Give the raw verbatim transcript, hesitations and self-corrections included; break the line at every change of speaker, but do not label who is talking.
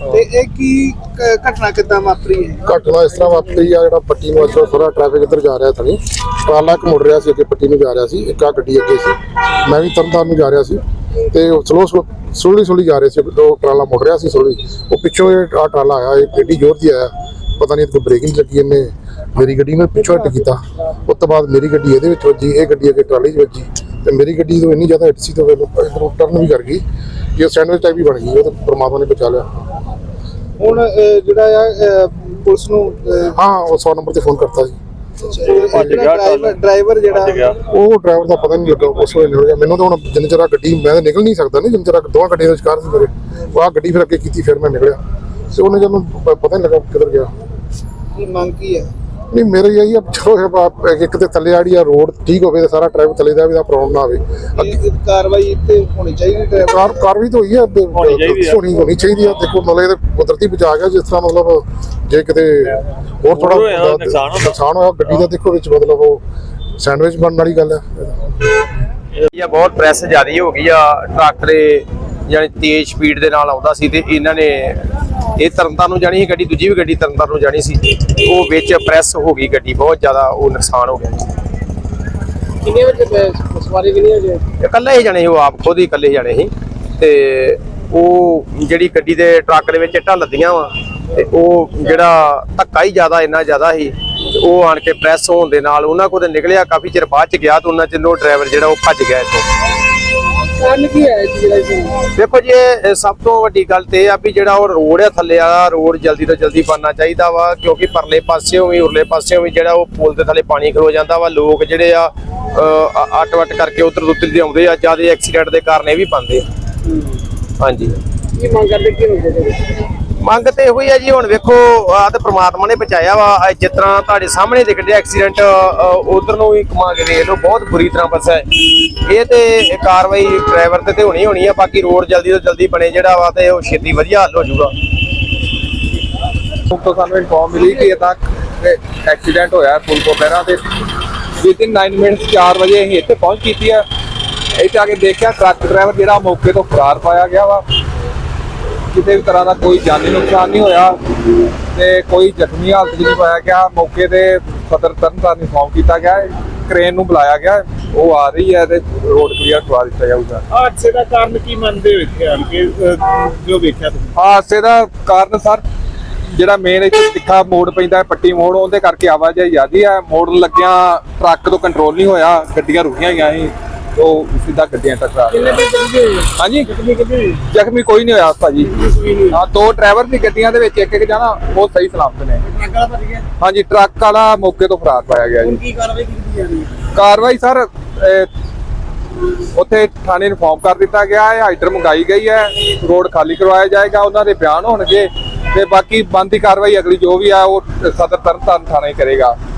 ਤੇ ਇਹ ਕੀ ਕ- ਘਟਨਾ ਕਿੱਦਾਂ ਵਾਪਰੀ ਹੈ?
ਘਟਨਾ ਇਸ ਤਰ੍ਹਾਂ ਵਾਪਰੀ ਆ, ਜਿਹੜਾ ਪੱਟੀ ਨੂੰ ਅੱਛਾ ਥੋੜਾ ਟ੍ਰੈਫਿਕ ਇੱਧਰ ਜਾ ਰਿਹਾ ਥਣੀ, ਟਰਾਲਾ ਇੱਕ ਮੁੜ ਰਿਹਾ ਸੀ ਅੱਗੇ ਪੱਟੀ ਨੂੰ ਜਾ ਰਿਹਾ ਸੀ, ਇੱਕ ਆ ਗੱਡੀ ਅੱਗੇ ਸੀ, ਮੈਂ ਵੀ ਤਰਨਤਾਰਨ ਨੂੰ ਜਾ ਰਿਹਾ ਸੀ ਤੇ ਸਲੋ ਸਲੋ ਸਲੋਲੀ ਸਲੋਲੀ ਜਾ ਰਹੇ ਸੀ, ਉਹ ਟਰਾਲਾ ਮੁੜ ਰਿਹਾ ਸੀ ਸਲੋਲੀ, ਉਹ ਪਿੱਛੋਂ ਇਹ ਆ ਟਰਾਲਾ ਆਇਆ, ਇਹ ਗੱਡੀ ਜ਼ੋਰ ਦੀ ਆਇਆ, ਪਤਾ ਨਹੀਂ ਕੋਈ ਬ੍ਰੇਕਿੰਗ ਲੱਗੀ, ਇਹਨੇ ਮੇਰੀ ਗੱਡੀ ਨੂੰ ਪਿੱਛੋਂ ਹਿੱਟ ਕੀਤਾ, ਉਸ ਤੋਂ ਬਾਅਦ ਮੇਰੀ ਗੱਡੀ ਇਹਦੇ ਵਿੱਚ ਵੱਜੀ, ਇਹ ਗੱਡੀ ਅੱਗੇ ਟਰਾਲੀ 'ਚ ਵੱਜੀ ਤੇ ਮੇਰੀ ਗੱਡੀ ਤੋਂ ਇੰਨੀ ਜ਼ਿਆਦਾ ਹਿੱਟ ਸੀ ਤੇ ਇੱਧਰੋਂ ਟਰਨ ਵੀ ਕਰ ਗਈ ਕਿ ਉਹ ਸੈਂਡਵਿਚ ਟਾਈਪ ਹੀ ਬਣ ਗਈ, ਉਹ ਤਾਂ ਪਰਮਾਤਮਾ ਨੇ ਬਚਾ ਲਿਆ।
ਹੁਣ ਅਹ, ਜਿਹੜਾ ਆ ਅਹ, ਪੁਲਿਸ ਨੂੰ ਅਹ,
ਹਾਂ, ਉਹ ਸੌ ਨੰਬਰ ਤੇ ਫੋਨ ਕਰਤਾ ਸੀ।
ਜਿਹੜਾ ਡਰਾਈਵਰ ਡਰਾਈਵਰ ਜਿਹੜਾ
ਉਹ ਡਰਾਈਵਰ ਦਾ ਪਤਾ ਨਹੀਂ ਲੱਗਾ, ਉਸ ਵੇਲੇ ਨਿਕਲ ਗਿਆ ਮੈਨੂੰ ਤਾਂ। ਹੁਣ ਜਿੰਨੇ ਚਿਰ ਗੱਡੀ ਮੈਂ ਤਾਂ ਨਿਕਲ ਨਹੀਂ ਸਕਦਾ, ਨਹੀਂ ਜਿੰਨੇ ਚਿਰ ਦੋਵਾਂ ਗੱਡੀਆਂ ਦੇ ਵਿਚਕਾਰ ਸੀ ਮੇਰੇ, ਉਹ ਆਹ ਗੱਡੀ ਫਿਰ ਅੱਗੇ ਕੀਤੀ, ਫਿਰ ਮੈਂ ਨਿਕਲਿਆ ਤੇ ਉਹਨੇ ਜਦੋਂ ਪਤਾ ਨਹੀਂ ਲੱਗਾ ਕਿੱਧਰ ਗਿਆ।
ਕੀ ਮੰਗ ਕੀ ਹੈ?
ਨਹੀਂ ਮੇਰੇ ਇਹੀ ਆ, ਚਲੋ ਇੱਕ ਤੇ ਥੱਲੇ ਆੜੀ ਆ ਰੋਡ ਠੀਕ ਹੋਵੇ ਤੇ ਸਾਰਾ ਟ੍ਰੈਫਿਕ ਥੱਲੇ ਦਾ ਵੀ ਦਾ ਪ੍ਰੋਬਲਮ ਨਾ ਆਵੇ।
ਇਹ ਕਾਰਵਾਈ ਇੱਥੇ ਹੋਣੀ ਚਾਹੀਦੀ ਡਰਾਈਵਰ
ਕਾਰ ਕਾਰਵਾਈ ਤਾਂ ਹੋਈ ਆ, ਹੋਣੀ ਹੋਣੀ ਚਾਹੀਦੀ ਆ। ਦੇਖੋ ਮਤਲਬ ਇਹ ਕੁਦਰਤੀ ਬਚਾ ਗਿਆ, ਜਿਸ ਤਰ੍ਹਾਂ ਮਤਲਬ ਜੇ ਕਿਤੇ ਹੋਰ ਥੋੜਾ ਨੁਕਸਾਨ ਹੋਇਆ ਗੱਡੀ ਦਾ, ਦੇਖੋ ਵਿੱਚ ਮਤਲਬ ਉਹ ਸੈਂਡਵਿਚ ਬਣਨ ਵਾਲੀ ਗੱਲ ਹੈ।
ਇਹ ਬਹੁਤ ਪ੍ਰੈਸ ਜ਼ਿਆਦੀ ਹੋ ਗਈ ਆ, ਟਰੱਕ ਦੇ ਜਾਨੀ ਤੇਜ਼ ਸਪੀਡ ਦੇ ਨਾਲ ਆਉਂਦਾ ਸੀ ਤੇ ਇਹਨਾਂ ਨੇ ਇਹ ਤਰਨਤਾਰਨ ਨੂੰ ਜਾਣੀ ਸੀ ਗੱਡੀ, ਦੂਜੀ ਵੀ ਗੱਡੀ ਤਰਨਤਾਰਨ ਨੂੰ ਜਾਣੀ ਸੀ, ਉਹ ਵਿੱਚ ਪ੍ਰੈਸ ਹੋ ਗਈ ਗੱਡੀ, ਬਹੁਤ ਜ਼ਿਆਦਾ ਉਹ ਨੁਕਸਾਨ ਹੋ ਗਿਆ।
ਕਿੰਨੇ ਵਜੇ ਸਵਾਰੀ ਕਿੰਨੀ ਵਜੇ?
ਇਕੱਲੇ ਹੀ ਜਾਣੇ ਸੀ, ਉਹ ਆਪ ਖੁਦ ਹੀ ਇਕੱਲੇ ਜਾਣੇ ਸੀ ਤੇ ਉਹ ਜਿਹੜੀ ਗੱਡੀ ਦੇ ਟਰੱਕ ਦੇ ਵਿੱਚ ਇੱਟਾਂ ਲੱਦੀਆਂ ਵਾ ਤੇ ਉਹ ਜਿਹੜਾ ਧੱਕਾ ਹੀ ਜ਼ਿਆਦਾ ਇੰਨਾ ਜ਼ਿਆਦਾ ਸੀ, ਉਹ ਆਣ ਕੇ ਪ੍ਰੈਸ ਹੋਣ ਦੇ ਨਾਲ ਉਹਨਾਂ ਕੋਲ ਨਿਕਲਿਆ, ਕਾਫੀ ਚਿਰ ਬਾਅਦ ਚ ਗਿਆ ਤੇ ਉਹਨਾਂ ਚ ਉਹ ਡਰਾਈਵਰ ਜਿਹੜਾ ਉਹ ਭੱਜ ਗਿਆ ਇੱਥੋਂ।
ਕਾਰਨ ਕੀ ਹੈ ਜਿਹੜਾ?
ਦੇਖੋ ਜੀ, ਇਹ ਸਭ ਤੋਂ ਵੱਡੀ ਗੱਲ ਤੇ ਇਹ ਆ ਵੀ ਜਿਹੜਾ ਉਹ ਰੋਡ ਆ ਥੱਲੇ ਵਾਲਾ ਰੋਡ ਜਲਦੀ ਤੋਂ ਜਲਦੀ ਬਣਨਾ ਚਾਹੀਦਾ ਵਾ, ਕਿਉਂਕਿ ਪਰਲੇ ਪਾਸਿਓਂ ਵੀ ਉਰਲੇ ਪਾਸਿਓਂ ਵੀ ਜਿਹੜਾ ਉਹ ਪੁਲ ਦੇ ਥੱਲੇ ਪਾਣੀ ਖਲੋ ਜਾਂਦਾ ਵਾ, ਲੋਕ ਜਿਹੜੇ ਆ ਅੱਟ ਵੱਟ ਕਰਕੇ ਉਧਰ ਉਧਰ ਦੇ ਆਉਂਦੇ ਆ, ਜਿਆਦਾ ਐਕਸੀਡੈਂਟ ਦੇ ਕਾਰਨ ਇਹ ਵੀ ਬਣਦੇ ਆ। ਹਾਂਜੀ,
ਕੀ ਮੰਗ ਕਰਦੇ ਕੀ ਹੁੰਦੇ?
ਮੰਗ ਤੇ ਇਹੋ ਹੀ ਆ ਜੀ, ਹੁਣ ਵੇਖੋ ਆ ਤੇ ਪ੍ਰਮਾਤਮਾ ਨੇ ਬਚਾਇਆ ਵਾ, ਜਿਸ ਤਰ੍ਹਾਂ ਤੁਹਾਡੇ ਸਾਹਮਣੇ ਦਿਖ ਰਿਹਾ ਐਕਸੀਡੈਂਟ, ਉਧਰ ਨੂੰ ਵੀ ਘੁਮਾ ਕੇ ਵੇਖ ਲਓ, ਬਹੁਤ ਬੁਰੀ ਤਰ੍ਹਾਂ ਫਸਿਆ ਹੈ। ਇਹ ਤੇ ਕਾਰਵਾਈ ਡਰਾਈਵਰ ਤੇ ਤੇ ਹੋਣੀ ਹੋਣੀ ਆ, ਬਾਕੀ ਰੋਡ ਜਲਦੀ ਤੋਂ ਜਲਦੀ ਬਣੇ ਜਿਹੜਾ ਵਾ ਤੇ ਉਹ ਛੇਤੀ ਵਧੀਆ ਹੱਲ ਹੋ ਜਾਊਗਾ।
ਤੋਂ ਸਾਨੂੰ ਇਨਫੋਰਮ ਮਿਲੀ ਕਿ ਇਹਦਾ ਐਕਸੀਡੈਂਟ ਹੋਇਆ ਪੁਲ ਤੋਂ ਪਹਿਲਾਂ ਤੇ ਵਿਦਿਨ ਨੌ ਮਿੰਟਸ ਚਾਰ ਵਜੇ ਅਸੀਂ ਇੱਥੇ ਪਹੁੰਚ ਕੀਤੀ ਹੈ। ਇੱਥੇ ਆ ਕੇ ਦੇਖਿਆ ਟਰੱਕ ਡਰਾਈਵਰ ਜਿਹੜਾ ਮੌਕੇ ਤੋਂ ਫਰਾਰ ਪਾਇਆ ਗਿਆ ਵਾ, ਕਿਸੇ ਵੀ ਤਰ੍ਹਾਂ ਦਾ ਕੋਈ ਜਾਨੀ ਨੁਕਸਾਨ ਨਹੀਂ ਹੋਇਆ ਤੇ ਕੋਈ ਜ਼ਖਮੀ ਹਾਲਤ 'ਚ ਨਹੀਂ ਪਾਇਆ ਗਿਆ। ਮੌਕੇ ਤੇ ਸਦਰ ਤਰਨਤਾਰਨ ਇਨਫੋਰਮ ਕੀਤਾ ਗਿਆ, ਕ੍ਰੇਨ ਨੂੰ ਬੁਲਾਇਆ ਗਿਆ, ਉਹ ਆ ਰਹੀ ਹੈ ਤੇ ਰੋਡ ਕਲੀਅਰ ਕਰਵਾ ਦਿੱਤਾ ਜਾਊਗਾ।
ਹਾਦਸੇ ਦਾ ਕਾਰਨ ਕੀ ਮੰਨਦੇ ਹੋ ਇੱਥੇ ਆਣ ਕੇ ਜੋ ਵੇਖਿਆ ਤੁਸੀਂ?
ਹਾਦਸੇ ਦਾ ਕਾਰਨ ਸਰ ਜਿਹੜਾ ਮੇਨ ਇੱਥੇ ਤਿੱਖਾ ਮੋੜ ਪੈਂਦਾ ਹੈ, ਪੱਟੀ ਮੋੜ, ਉਹਦੇ ਕਰਕੇ ਆਵਾਜਾਈ ਜ਼ਿਆਦੀ ਹੈ। ਮੋੜਨ ਲੱਗਿਆ ਟਰੱਕ ਤੋਂ ਕੰਟਰੋਲ ਨਹੀਂ ਹੋਇਆ, ਗੱਡੀਆਂ ਰੁਕੀਆਂ ਗਈਆਂ ਸੀ, ਉਹ ਸਿੱਧਾ ਗੱਡੀਆਂ ਟਕਰਾ ਗਈਆਂ। ਹਾਂਜੀ, ਜ਼ਖਮੀ ਕੋਈ ਨਹੀਂ ਹੋਇਆ ਭਾਜੀ। ਹਾਂ, ਦੋ ਡਰਾਈਵਰ ਦੀ ਗੱਡੀਆਂ ਦੇ ਵਿੱਚ, ਇੱਕ ਇੱਕ ਜਾਣਾ ਉਹ ਸਹੀ ਸਲਾਮਤ ਨੇ। ਹਾਂਜੀ, ਟਰੱਕ ਵਾਲਾ ਮੌਕੇ ਤੋਂ ਫਰਾਰ ਪਾਇਆ ਗਿਆ ਜੀ।
ਕੀ ਕਾਰਵਾਈ ਕੀਤੀ ਜਾ ਰਹੀ ਹੈ?
ਕਾਰਵਾਈ ਸਰ ਉੱਥੇ ਥਾਣੇ ਇਨਫੋਰਮ ਕਰ ਦਿੱਤਾ ਗਿਆ ਹੈ, ਹਾਈਡਰ ਮੰਗਾਈ ਗਈ ਹੈ, ਰੋਡ ਖਾਲੀ ਕਰਵਾਇਆ ਜਾਏਗਾ, ਉਹਨਾਂ ਦੇ ਬਿਆਨ ਹੋਣਗੇ ਤੇ ਬਾਕੀ ਬਣਦੀ ਕਾਰਵਾਈ ਅਗਲੀ ਜੋ ਵੀ ਆ ਉਹ ਸਦਰ ਤਰਨਤਾਰਨ ਥਾਣਾ ਹੀ ਕਰੇਗਾ।